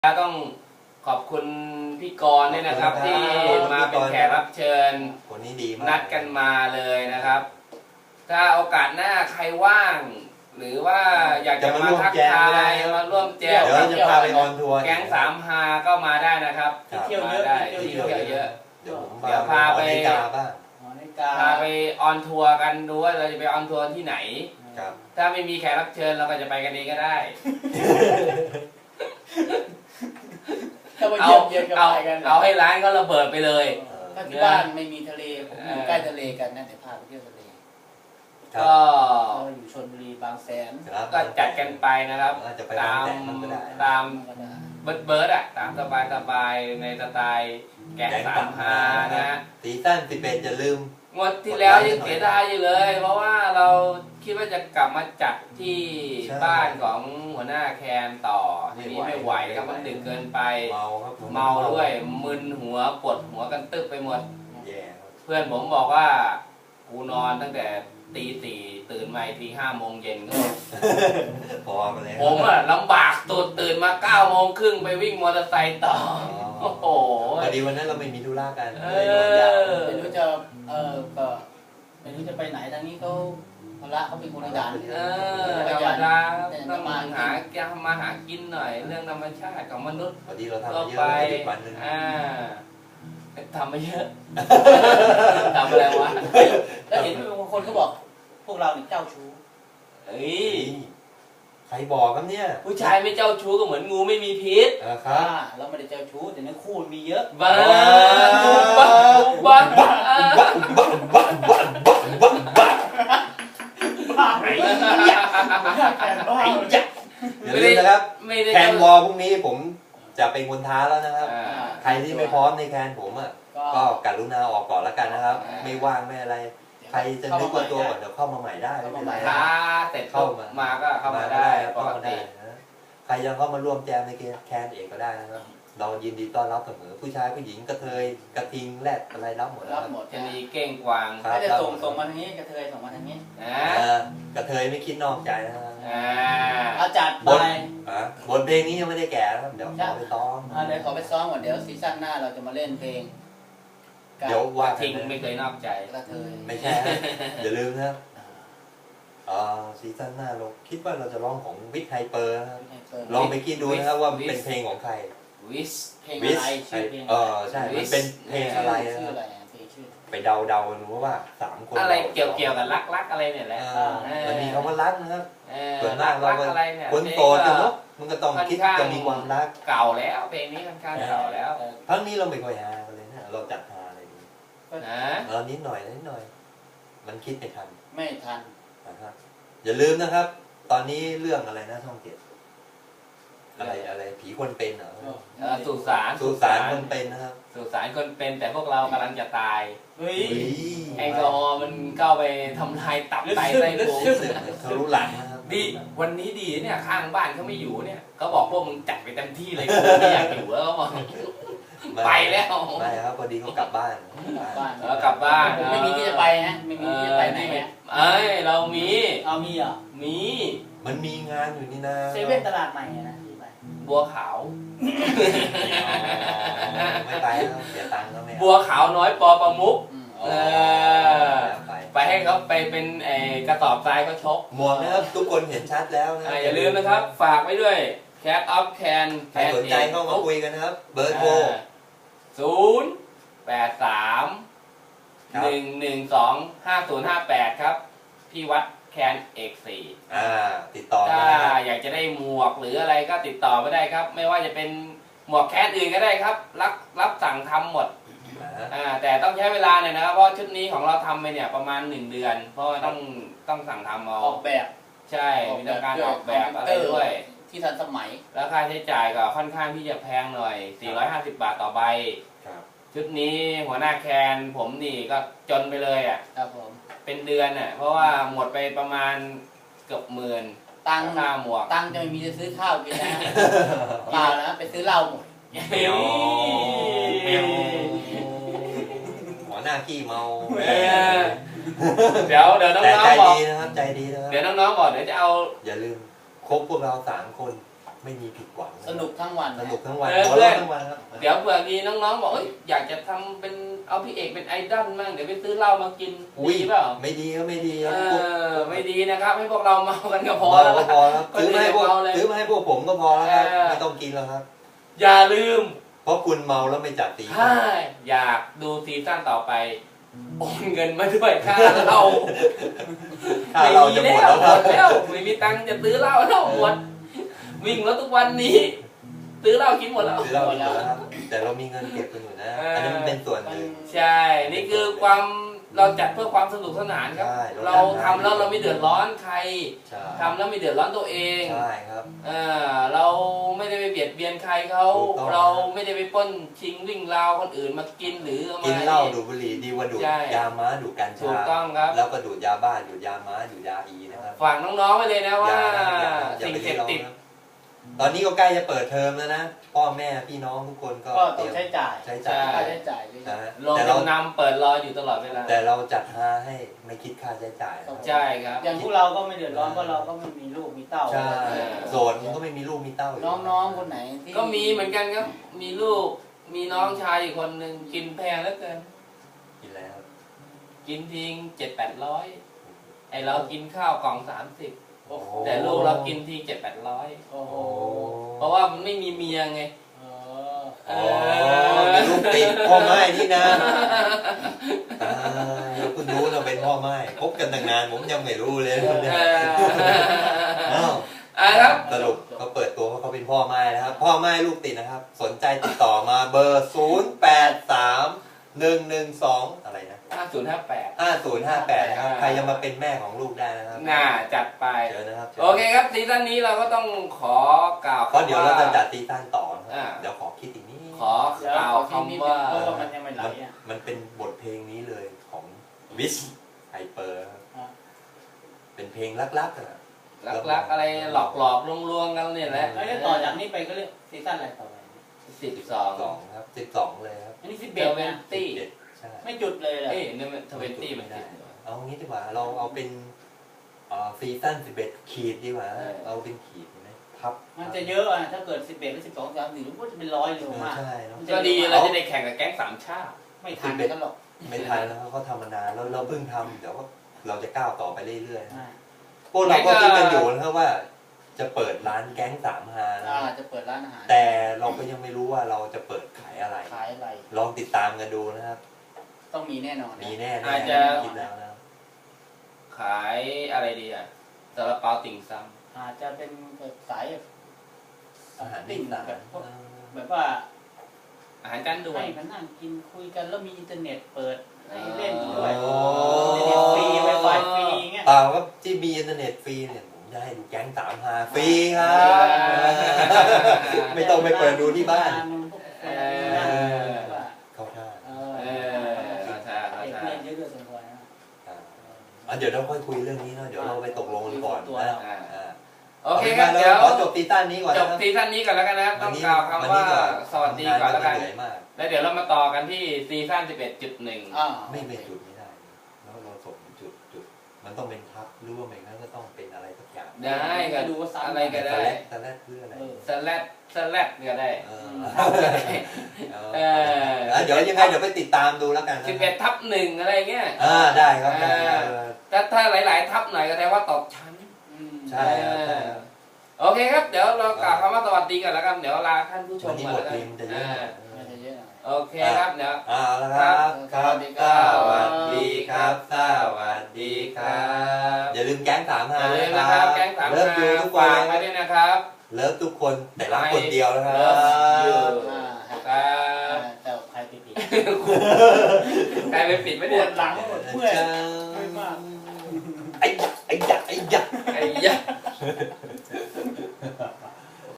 ต้องขอบคุณพี่กรณ์ด้วยนะครับที่มาเป็นแขกรับเชิญคนนี้ดีมากนัดกันมาเลยนะครับ ถ้าโอกาสหน้าใครว่าง หรือว่าอยากจะมาทักทายมาร่วมแจมเดี๋ยวจะพาไปออนทัวร์แก๊งสามฮาก็มาได้นะครับเที่ยวเยอะได้เที่ยวเยอะเดี๋ยวพาไปพาไปออนทัวร์กันดูว่าเราจะไปออนทัวร์ที่ไหนถ้าไม่มีแขกรับเชิญเราก็จะไปกันเองก็ได้เอาให้ร้านเขาระเบิดไปเลยถ้าที่บ้านไม่มีทะเลผมอยู่ใกล้ทะเลกันนะแต่พาไปเที่ยวทะเลก็อยู่ชลบุรีบางแสนก็จัดกันไปนะครับตามเบิร์ดอะตามสบายในสไตล์แก๊งสามฮานะซีซั่น11อย่าลืมงวดที่แล้วยังเสียดายอยู่เลยเพราะว่าเราคิดว่าจะกลับมาจัดที่บ้านของหัวหน้าแคนต่อทีนี้ไม่ไหวครับมันดึกเกินไปเมาด้วยมึนหัวปวดหัวกันตึ๊บไปหมดเพื่อนผมบอกว่ากูนอนตั้งแต่ตีสี่ตื่นมาที5 โมงเย็นก็พอมาแล้วผมอะลำบากตื่นมา9 โมงครึ่งไปวิ่งมอเตอร์ไซค์ต่อโอ้โหพอดีวันนั้นเราไม่มีธุระกันไม่รู้จะก็ไม่รู้จะไปไหนทางนี้เขาละเขาเป็นคนขยันธรรมดาต้องมาหากินหน่อยเรื่องธรรมชาติของมนุษย์พอดีเราทำเยอะวันนึงทำไม่เยอะทำอะไรวะแล้วเห็นบางคนเขาบอกพวกเราเนี่ยเจ้าชู้ใครบอกครับเนี่ยผู้ชายไม่เจ้าชู้ก็เหมือนงูไม่มีพิษครับเราไม่ได้เจ้าชู้แต่เนื้อคู่มีเยอะบ้าบ้าอย่าลืมนะครับแคนวอลพรุ่งนี้ผมจะเป็นคนท้าแล้วนะครับใครที่ไม่พร้อมในแคนผมอ่ะก็กรุณาออกก่อนแล้วกันนะครับไม่ว่างไม่อะไรใครจะนึกว่าตัวก่อนเดี๋ยวเข้ามาใหม่ได้ไม่เป็นไรท้าเสร็จเข้ามาก็เข้ามาได้ปกติใครยังเข้ามาร่วมแจมในแคนเองก็ได้นะครับเรายินดีต้อนรับเสมอผู้ชายผู้หญิงกระเทยกระทิงแรดอะไรรับหมดรับหมดจะมีเก้งกวางถ้าจะส่งมาทางนี้กระเทยส่งมาทางนี้กระเทยไม่คิดนอกใจนะอาจัดไปบทเพลงนี้ยังไม่ได้แก่นะครับเดี๋ยวขอไปซ้อมเดี๋ยวขอไปซ้อมก่อนเดี๋ยวซีซั่นหน้าเราจะมาเล่นเพลงเดี๋ยวว่าทิ้งไม่เคยนอกใจกระเทยไม่ใช่อย่าลืมนะซีซั่นหน้าเราคิดว่าเราจะร้องของวิทไฮเปอร์นะครับลองไปคิดดูนะครับว่าเป็นเพลงของใครวิสเพลงอะไรชื่อเพลงใช่มันเป็นเพลงอะไรนะครับไปเดาดูว่า3 คนอะไรเกี่ยวกับรักอะไรเนี่ยแหละมันมีคำว่ารักนะครับส่วนมากเราคนโสดกันเนาะมันก็ต้องคิดจะมีความรักเก่าแล้วเพลงนี้ค่อนข้างเก่าแล้วทั้งนี้เราไม่ค่อยหาเลยนะเราจัดหาอะไรดีนิดหน่อยมันคิดไม่ทันนะครับอย่าลืมนะครับตอนนี้เรื่องอะไรนะช่อง7อะไรผีคนเป็นเหรอสุสานคนเป็นนะครับสุสานคนเป็นแต่พวกเรากำลังจะตายแอลกอฮอล์มันเข้าไปทำลายตับไตไส้พุงทะลุหลังนะครับดีวันนี้ดีเนี่ยข้างบ้านเขาไม่อยู่เนี่ยเขาบอกพวกมึงจัดไปเต็มที่เลยกูไม่อยากอยู่แล้วเขาบอกไปแล้วไม่ครับพอดีเขากลับบ้านกลับบ้านไม่มีที่จะไปนะไม่มีที่จะไปไหนเรามีเหรอมีมันมีงานอยู่นี่นะเซเว่นตลาดใหม่นะบัวขาวไม่ไปแล้วเสียตังค์แล้วไม่บัวขาวน้อยปอประมุกไปให้เขาไปเป็นกระสอบทรายเขาชกหมวกนะครับทุกคนเห็นชัดแล้วนะอย่าลืมนะครับฝากไว้ด้วยCat of Can ใครสนใจเข้ามาคุยกันนะครับเบอร์โทร 083-112-5058ครับพี่วัดแคนเอก4 ติดต่อถ้าอยากจะได้หมวกหรืออะไรก็ติดต่อมาได้ครับไม่ว่าจะเป็นหมวกแคนอื่นก็ได้ครับรับสั่งทำหมดแต่ต้องใช้เวลาหน่อยนะครับเพราะชุดนี้ของเราทำไปเนี่ยประมาณ1 เดือนเพราะว่าต้องสั่งทำเอาออกแบบใช่มีการออกแบบอะไรด้วยที่ทันสมัยแล้วค่าใช้จ่ายก็ค่อนข้างที่จะแพงหน่อย450 บาทต่อใบชุดนี้หัวหน้าแคนผมนี่ก็จนไปเลยครับผมเป็นเดือนเพราะว่าหมดไปประมาณเกือบ10,000 ตังค่าหมวกตังจะไม่มีจะซื้อข้าวกินนะเปล่านะไปซื้อเหล้าหมดหัวหน้าขี้เมาเดี๋ยวน้องๆบอกใจดีนะครับเดี๋ยวน้องๆบอกเดี๋ยวจะเอาอย่าลืมคบพวกเรา3 คนไม่มีผิดหวังสนุกทั้งวันสนุกทั้งวันหัวเราะทั้งวันครับเดี๋ยวเผื่อมีน้องๆบอกอยากจะทำเป็นเอาพี่เอกเป็นไอดอลมั่งเดี๋ยวไปซื้อเหล้ามากินดีเปล่าไม่ดีก็ไม่ดีครับไม่ดีนะครับให้พวกเราเมากันก็พอพอแล้วก็พอครับซื้อมาให้พวกผมก็พอแล้วครับไม่ต้องกินแล้วครับอย่าลืมเพราะคุณเมาแล้วไม่จัดตีถ้าอยากดูซีซั่นต่อไปโอนเงินมาด้วยค่าเหล้าถ้าเราจะหมดแล้วครับแล้วไม่มีตังค์จะซื้อเหล้าแล้วหมดวิ่งรถทุกวันนี้ซื้อเหล้ากินหมดแล้วซื้อเรากินหมดแล้วครับแต่เรามีเงินเก็บกันอยู่นะอันนี้มันเป็นส่วนหนึ่งใช่นี่คือความเราจัดเพื่อความสนุกสนานครับใช่เราทำแล้วเราไม่เดือดร้อนใครใช่ทำแล้วไม่เดือดร้อนตัวเองใช่ครับเราไม่ได้ไปเบียดเบียนใครเขาถูกต้องเราไม่ได้ไปปล้นชิงวิ่งราวคนอื่นมากินหรือเอามากินเหล้าดูดบุหรี่ดีกว่าดูดใช่ยาม้าดูดกัญถูชากต้องครับแล้วก็ดูดยาบ้าดูดยาม้าดูดยาอีนะครับฝากน้องๆไว้เลยนะว่าอย่าสิ่งไปเสพติดลองนะตอนนี้ก็ใกล้จะเปิดเทอมแล้วนะพ่อแม่พี่น้องทุกคนก็ก็ต้องใช้จ่ายใช้จ่ายค่าใช้จ่ายด้วยนะฮะลงแต่เราจำนำเปิดรออยู่ตลอดเวลาแต่เราจัดหาให้ไม่คิดค่าใช้จ่ายนะใช่ครับอย่างพวกเราก็ไม่เดือดร้อนเพราะเราก็ไม่มีลูกมีเต้าใช่โสดมันก็ไม่มีลูกมีเต้าอยู่น้องๆคนไหนที่ก็มีเหมือนกันครับ มีลูกมีน้องชายอีกคนหนึ่งกินแพงเหลือเกินกินแล้วกินทิ้ง700-800ไอเรากินข้าวกล่อง30 โอ้โหแต่ลูกเรากินที700-800 โอ้โหเพราะว่ามันไม่มีเมียไงเอออ๋อมีลูกติดพ่อไม้นี่นะคุณรู้เราเป็นพ่อไม้คบกันตั้งนานผมยังไม่รู้เลยเนี่ยอ้าวครับสรุปเขาเปิดตัวว่าเขาเป็นพ่อไม้นะครับ พ่อไม้ลูกติดนะครับ สนใจติดต่อมาเบอร์ 083112อะไรนะ 5058 5058นะครับใครจะมาเป็นแม่ของลูกได้นะครับน่าจัดไปเจอนะครับโอเคครับซีซั่นนี้เราก็ต้องขอกล่าวเพราะเดี๋ยวเราจะจัดซีซั่นต่อนะคอ่ารับเดี๋ยวขอคิดอีกนิดขอกล่าวคำว่าเพราะว่ามันยังไม่ไหลอ่ะมันเป็นบทเพลงนี้เลยของวิชไฮเปอร์อ่าเป็นเพลงรักๆอะรักๆอะไรหลอกๆลวงๆกันเนี่ยแหละแล้วต่อจากนี้ไปก็เรียกซีซั่นอะไรต่อไป 12 ครับ12เลยครับอันนี้เบล 11 เวนนะตี้ใช่ไม่จุดเลยเหรอเอ้ยเนี่ยมัน20มันติดเอางี้ดีกว่าเราเอาเป็นซีซั่น11ขีดดีกว่าเอาเป็นขีดไหมทับมันจะเยอะอ่ะถ้าเกิด11หรือ12 13มันก็จะเป็น100เร็วมากใช่เนาะก็ดีเราจะได้แข่งกับแก๊งสามชาติไม่ทันกันหรอกไม่ทันแล้วเขาทำมานานแล้วเราเพิ่งทำเดี๋ยวเราจะก้าวต่อไปเรื่อยอ่าๆพวกเราก็คิดกันอยู่นะครับว่า จะเปิดร้านแก๊ง3 ฮานะจะเปิดร้านอาหารแต่เราก็ยังไม่รู้ว่าเราจะเปิดขายอะไรขายอะไรลองติดตามกันดูนะครับต้องมีแน่นอนมีแน่อาจจะคิดแล้วนะขายอะไรดีอ่ะซาลาเปาติ่งซอาจจะเป็นสายอาหารติ่งต่างแบบพวกแบบว่าำอาหารจานด่วนให้มานั่งกินคุยกันแล้วมีอินเทอร์เน็ตเปิดให้เล่นด้วยโอ้อินเทอร์เน็ตฟรีไวไฟฟรีเงี้ยเปล่าครับที่มีอินเทอร์เน็ตฟรีเนี่ยผมจะให้ดูแก๊ง3 ฮาฟรีครับ ไม่ต้องไปเปิดดูที่บ้าน เข้าท่าเข้าท่าเด็กเล่นเยอะๆสมควรนะเดี๋ยวเราค่อยคุยเรื่องนี้เนาะเดี๋ยวเราไปตกลงกันก่อนนะโอเคครับเดี๋ยวขอจบซีซั่นนี้ก่อนจนะบครับซีซั่นนี้ก่อนแล้วกันนะครับต้องกล่าวคำว่าสวัสดีก่อนแล้วกันเหนื่อยมากแล้วเดี๋ยวเรามาต่อกันที่ซีซั่น 11.1 ไม่เป็นจุดไม่ได้แล้วเราส่งจุดมันต้องเป็นทับหรือว่าไม่งั้นก็ต้องเป็นอะไรสักอย่างได้ก็ดูว่าอะไรก็ได้สแลดเพื่ออะไรสแลดก็ได้เดี๋ยวยังไงเดี๋ยวไปติดตามดูแล้วกันนะ 11/1อะไรเงี้ยได้ครับถ้าหลายๆทับหน่อยก็แสดงว่าตกชั้นใช่ครับโอเคครับเดี๋ยวเรากล่าวคำว่าสวัสดีกันแล้วกันเดี๋ยวลาท่านผู้ชวัมนนี้ก่อนบทแล้วเพกัลนงจะเยอะโอเคครับเดี๋ยวแล้วครับครับสวัสดีครับสวัสดีครับอย่าลืมแก๊ง3 ฮาอย่าลืมนะครับแก๊งสามเลิฟยูทุกคฝากนไว้ด้วยนะครับเลิฟทุกคนแต่รักคนเดียวนะครับอยู่ครับแต่ใครไปผิดใครไปปิดไม่ปได้วดหลังปวดเมื่อยไอ้ยักษ์ไอ้ยะ